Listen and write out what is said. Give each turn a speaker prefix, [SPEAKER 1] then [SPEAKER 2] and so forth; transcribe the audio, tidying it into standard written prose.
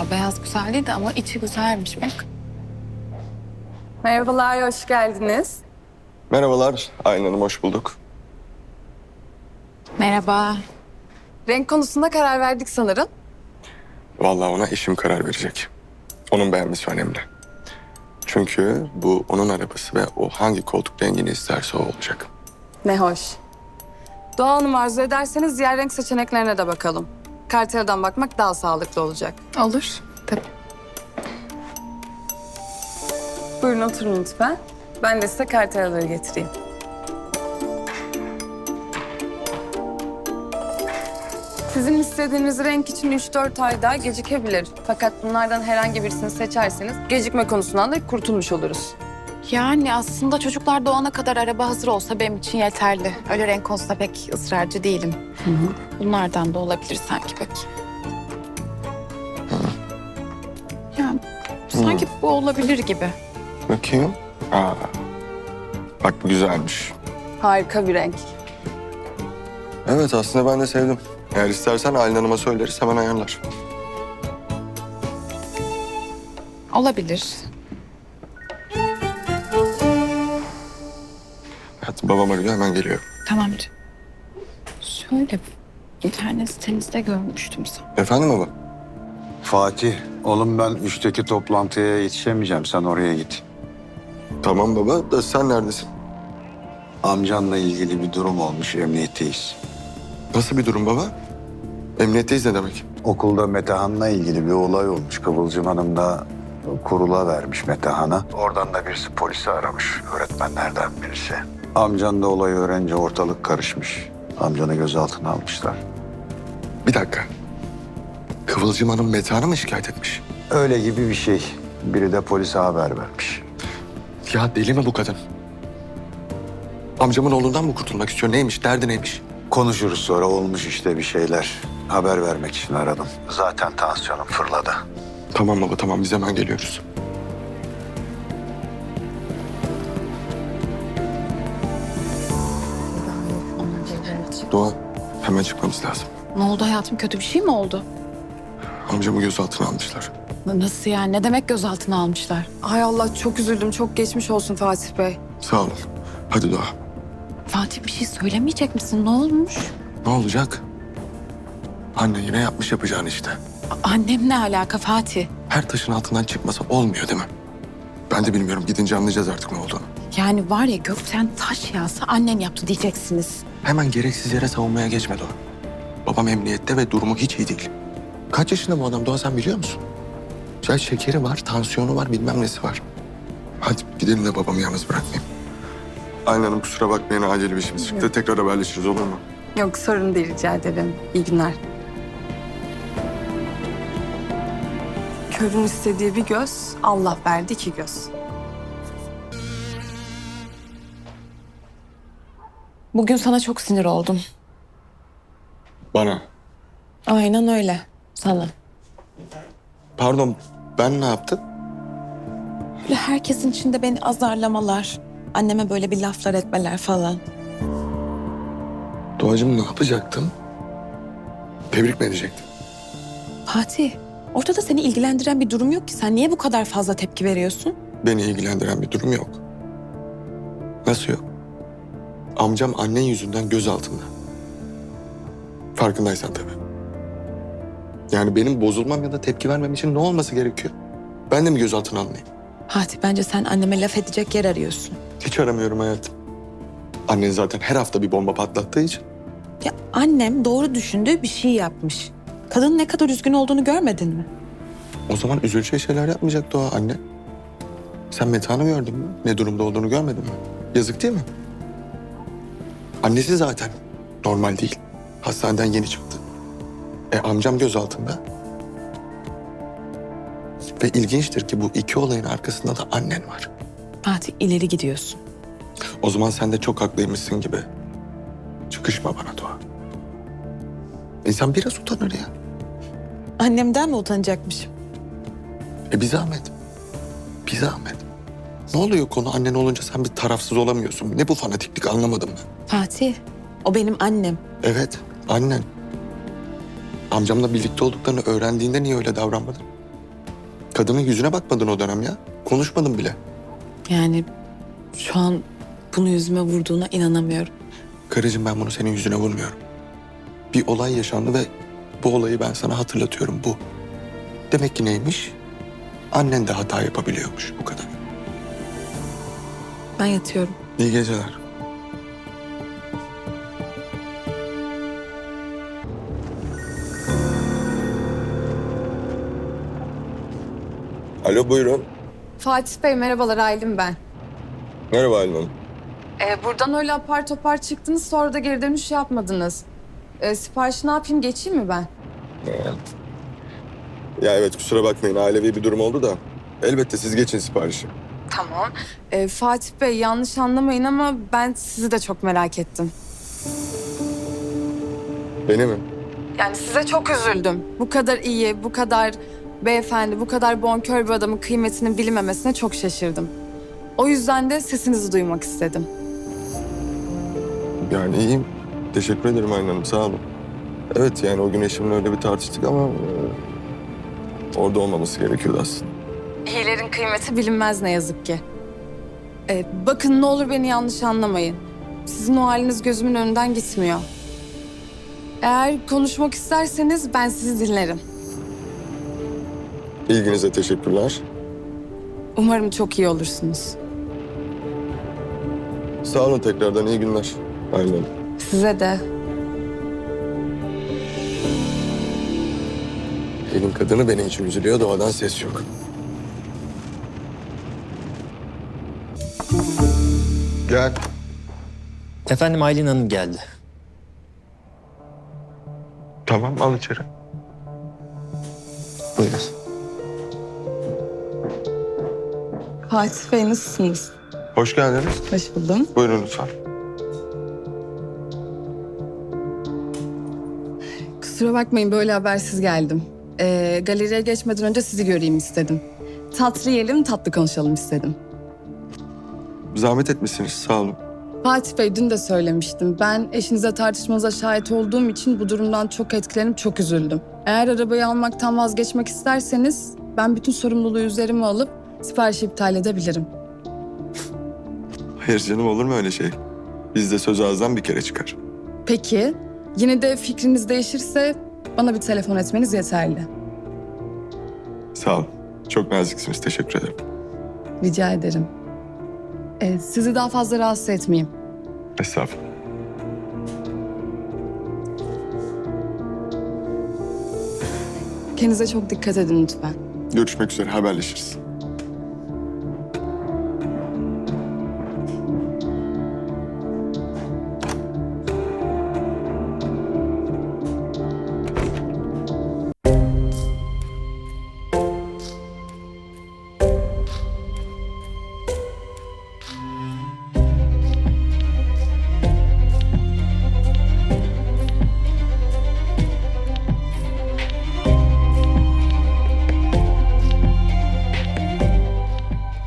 [SPEAKER 1] Ya beyaz güzeldi ama içi güzelmiş bak.
[SPEAKER 2] Merhabalar, hoş geldiniz.
[SPEAKER 3] Merhabalar, Aylin Hanım, hoş bulduk.
[SPEAKER 1] Merhaba.
[SPEAKER 2] Renk konusunda karar verdik sanırım.
[SPEAKER 3] Vallahi ona eşim karar verecek. Onun beğenmesi önemli. Çünkü bu onun arabası ve o hangi koltuk rengini isterse o olacak.
[SPEAKER 2] Ne hoş. Doğa Hanım arzu ederseniz diğer renk seçeneklerine de bakalım. Karteladan bakmak daha sağlıklı olacak.
[SPEAKER 1] Olur. Tabii.
[SPEAKER 2] Buyurun oturun lütfen. Ben de size kartelaları getireyim. Sizin istediğiniz renk için 3-4 ay daha gecikebilir. Fakat bunlardan herhangi birisini seçerseniz gecikme konusundan da kurtulmuş oluruz.
[SPEAKER 1] Yani aslında çocuklar doğana kadar araba hazır olsa benim için yeterli. Öyle renk konusunda pek ısrarcı değilim. Bunlardan da olabilir sanki pek. Yani sanki bu olabilir gibi.
[SPEAKER 3] Bakayım. Aa, bak bu güzelmiş.
[SPEAKER 2] Harika bir renk.
[SPEAKER 3] Evet, aslında ben de sevdim. Eğer istersen Aylin Hanım'a söyleriz, hemen ayarlar.
[SPEAKER 1] Olabilir.
[SPEAKER 3] Evet, babam arıyor, hemen geliyorum.
[SPEAKER 1] Tamam. Şöyle internet sitenizde görmüştüm sana.
[SPEAKER 3] Efendim baba?
[SPEAKER 4] Fatih, oğlum ben 3'teki toplantıya yetişemeyeceğim. Sen oraya git.
[SPEAKER 3] Tamam baba, da sen neredesin?
[SPEAKER 4] Amcanla ilgili bir durum olmuş, emniyetteyiz.
[SPEAKER 3] Nasıl bir durum baba? Emniyetteyiz ne demek?
[SPEAKER 4] Okulda Metehan'la ilgili bir olay olmuş. Kıvılcım Hanım da kurula vermiş Metehan'a. Oradan da birisi polisi aramış, öğretmenlerden birisi. Amcan da olayı öğrenince ortalık karışmış. Amcanı gözaltına almışlar.
[SPEAKER 3] Bir dakika. Kıvılcım Hanım Metehan'ı mı şikayet etmiş?
[SPEAKER 4] Öyle gibi bir şey. Biri de polise haber vermiş.
[SPEAKER 3] Ya deli mi bu kadın? Amcamın oğlundan mı kurtulmak istiyor? Neymiş? Derdi neymiş?
[SPEAKER 4] Konuşuruz sonra, olmuş işte bir şeyler. Haber vermek için aradım. Zaten tansiyonum fırladı.
[SPEAKER 3] Tamam baba, tamam. Biz hemen geliyoruz. Doğa, hemen çıkmamız lazım.
[SPEAKER 1] Ne oldu hayatım? Kötü bir şey mi oldu?
[SPEAKER 3] Amcamı gözaltına almışlar.
[SPEAKER 1] Nasıl yani? Ne demek gözaltına almışlar?
[SPEAKER 2] Ay Allah, çok üzüldüm. Çok geçmiş olsun Fatih Bey.
[SPEAKER 3] Sağ olun. Hadi Doğa.
[SPEAKER 1] Fatih bir şey söylemeyecek misin? Ne olmuş?
[SPEAKER 3] Ne olacak? Anne yine yapmış yapacağını işte.
[SPEAKER 1] Annem ne alaka Fatih?
[SPEAKER 3] Her taşın altından çıkmasa olmuyor değil mi? Ben de bilmiyorum. Gidince anlayacağız artık ne olduğunu.
[SPEAKER 1] Yani var ya gökten taş yağsa annen yaptı diyeceksiniz.
[SPEAKER 3] Hemen gereksiz yere savunmaya geçme Doğa. Babam emniyette ve durumu hiç iyi değil. Kaç yaşında bu adam Doğa, sen biliyor musun? Ya şekeri var, tansiyonu var, bilmem nesi var. Hadi gidelim de babamı yalnız bırakmayayım. Aynen Hanım, kusura bakmayın, acil bir işimiz çıktı. Tekrar haberleşiriz, olur mu?
[SPEAKER 2] Yok, sorun değil, rica ederim. İyi günler. Körün istediği bir göz, Allah verdi iki göz.
[SPEAKER 1] Bugün sana çok sinir oldum.
[SPEAKER 3] Bana.
[SPEAKER 1] Aynen öyle. Sana.
[SPEAKER 3] Pardon, ben ne yaptım?
[SPEAKER 1] Böyle herkesin içinde beni azarlamalar. Anneme böyle bir laflar etmeler falan.
[SPEAKER 3] Doğacığım, ne yapacaktım? Tebrik mi edecektim?
[SPEAKER 1] Fatih, ortada seni ilgilendiren bir durum yok ki. Sen niye bu kadar fazla tepki veriyorsun?
[SPEAKER 3] Beni ilgilendiren bir durum yok. Nasıl yok? Amcam annen yüzünden gözaltında. Farkındaysan tabii. Yani benim bozulmam ya da tepki vermem için ne olması gerekiyor? Ben de mi gözaltına alınayım?
[SPEAKER 1] Fatih, bence sen anneme laf edecek yer arıyorsun.
[SPEAKER 3] Hiç aramıyorum hayatım. Annen zaten her hafta bir bomba patlattığı için.
[SPEAKER 1] Ya annem doğru düşündüğü bir şey yapmış. Kadının ne kadar üzgün olduğunu görmedin mi?
[SPEAKER 3] O zaman üzüleceği şeyler yapmayacaktı o anne. Sen Metehan'ı gördün mü? Ne durumda olduğunu görmedin mi? Yazık değil mi? Annesi zaten normal değil. Hastaneden yeni çıktı. Amcam gözaltında. Ve ilginçtir ki bu iki olayın arkasında da annen var.
[SPEAKER 1] Fatih, ileri gidiyorsun.
[SPEAKER 3] O zaman sen de çok haklıymışsın gibi. Çıkışma bana Doğa. İnsan biraz utanır ya.
[SPEAKER 1] Annemden mi utanacakmışım?
[SPEAKER 3] Bir zahmet. Bir zahmet. Ne oluyor konu annen olunca sen bir tarafsız olamıyorsun. Ne bu fanatiklik, anlamadım ben.
[SPEAKER 1] Fatih, o benim annem.
[SPEAKER 3] Evet, annen. Amcamla birlikte olduklarını öğrendiğinde niye öyle davranmadın? Kadının yüzüne bakmadın o dönem ya. Konuşmadın bile.
[SPEAKER 2] Yani şu an bunu yüzüme vurduğuna inanamıyorum.
[SPEAKER 3] Karıcığım ben bunu senin yüzüne vurmuyorum. Bir olay yaşandı ve bu olayı ben sana hatırlatıyorum bu. Demek ki neymiş? Annen de hata yapabiliyormuş bu kadar.
[SPEAKER 2] Ben yatıyorum.
[SPEAKER 3] İyi geceler. Alo buyurun.
[SPEAKER 2] Fatih Bey merhabalar, Aylin ben.
[SPEAKER 3] Merhaba Aylin Hanım.
[SPEAKER 2] Buradan öyle apar topar çıktınız, sonra da geri dönüş yapmadınız. Siparişi ne yapayım, geçeyim mi ben?
[SPEAKER 3] Ya evet kusura bakmayın ailevi bir durum oldu da. Elbette siz geçin siparişi.
[SPEAKER 2] Tamam. Fatih Bey yanlış anlamayın ama ben sizi de çok merak ettim.
[SPEAKER 3] Beni mi?
[SPEAKER 2] Yani size çok üzüldüm. Bu kadar iyi, bu kadar beyefendi, bu kadar bonkör bir adamın kıymetinin bilinmemesine çok şaşırdım. O yüzden de sesinizi duymak istedim.
[SPEAKER 3] Yani iyiyim. Teşekkür ederim Aylin Hanım sağ olun. Evet yani o gün eşimle öyle bir tartıştık ama orada olmaması gerekiyordu aslında.
[SPEAKER 2] İyilerin kıymeti bilinmez ne yazık ki. Bakın ne olur beni yanlış anlamayın. Sizin o haliniz gözümün önünden gitmiyor. Eğer konuşmak isterseniz ben sizi dinlerim.
[SPEAKER 3] İlginize teşekkürler.
[SPEAKER 2] Umarım çok iyi olursunuz.
[SPEAKER 3] Sağ olun tekrardan iyi günler Aylin Hanım.
[SPEAKER 2] Size de.
[SPEAKER 3] Elin kadını benim için üzülüyor doğadan ses yok. Gel.
[SPEAKER 5] Efendim Aylin Hanım geldi.
[SPEAKER 3] Tamam al içeri.
[SPEAKER 5] Buyurun.
[SPEAKER 2] Fatih Bey nasılsınız?
[SPEAKER 3] Hoş geldiniz.
[SPEAKER 2] Hoş buldum.
[SPEAKER 3] Buyurun lütfen.
[SPEAKER 2] Kusura bakmayın böyle habersiz geldim. Galeriye geçmeden önce sizi göreyim istedim. Tatlı yiyelim, tatlı konuşalım istedim.
[SPEAKER 3] Zahmet etmişsiniz sağ olun.
[SPEAKER 2] Fatih Bey dün de söylemiştim. Ben eşinize tartışmanıza şahit olduğum için bu durumdan çok etkilenip çok üzüldüm. Eğer arabayı almaktan vazgeçmek isterseniz ben bütün sorumluluğu üzerime alıp siparişi iptal edebilirim.
[SPEAKER 3] Hayır canım olur mu öyle şey? Bizde söz ağızdan bir kere çıkar.
[SPEAKER 2] Peki, yine de fikriniz değişirse bana bir telefon etmeniz yeterli.
[SPEAKER 3] Sağ olun. Çok naziksiniz teşekkür ederim.
[SPEAKER 2] Rica ederim. Sizi daha fazla rahatsız etmeyeyim.
[SPEAKER 3] Estağfurullah.
[SPEAKER 2] Kendinize çok dikkat edin lütfen.
[SPEAKER 3] Görüşmek üzere haberleşiriz.